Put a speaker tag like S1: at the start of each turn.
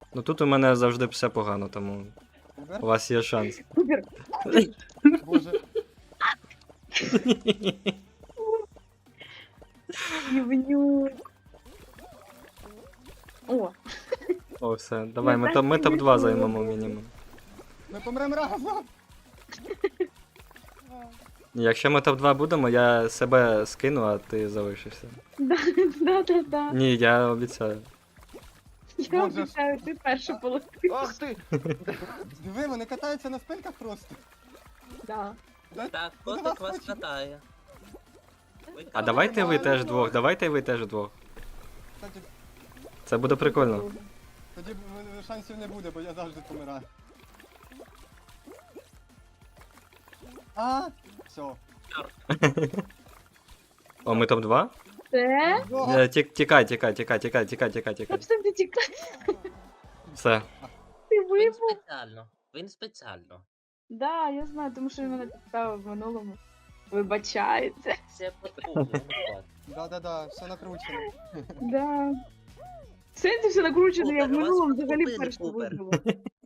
S1: Ну тут у мене завжди все погано, тому
S2: Кубер?
S1: у вас є шанс.
S3: Кубер.
S2: Боже.
S3: Івнюк. О,
S1: О, все, давай, ми
S3: так
S1: топ-2
S3: смішно.
S1: займемо мінімум.
S2: Ми помремо разом.
S1: Якщо ми топ-2 будемо, я себе скину, а ти залишишся.
S3: да.
S1: Ні, я обіцяю.
S3: Я
S2: Боже ж.
S3: обіцяю, ти перше полетиш.
S2: Ах ти! Диви, вони катаються на спинках просто.
S3: Да.
S4: Так,
S2: Ну,
S4: котик
S2: давай,
S4: вас
S2: хочеш.
S4: катає.
S1: А давайте ви теж двох, давайте ви теж двох.
S2: Кстати,
S1: Це буде прикольно.
S2: тоді шансів не буде, бо я завжди помираю. А, все.
S1: О, ми топ-2?
S3: Це?
S1: Тікай.
S3: Просто ти тікай.
S1: Все.
S3: Ти
S4: Він
S3: вибув.
S4: спеціально. Він спеціально.
S3: Да, я знаю, тому що він мене підставив в минулому. Вибачається.
S4: Це потрібно.
S2: Да, все накручено.
S3: Да. Сенсі все накручено, я в
S4: Кубер, у вас
S3: минулому взагалі
S4: купили
S3: перше
S4: Кубер.
S3: вибила.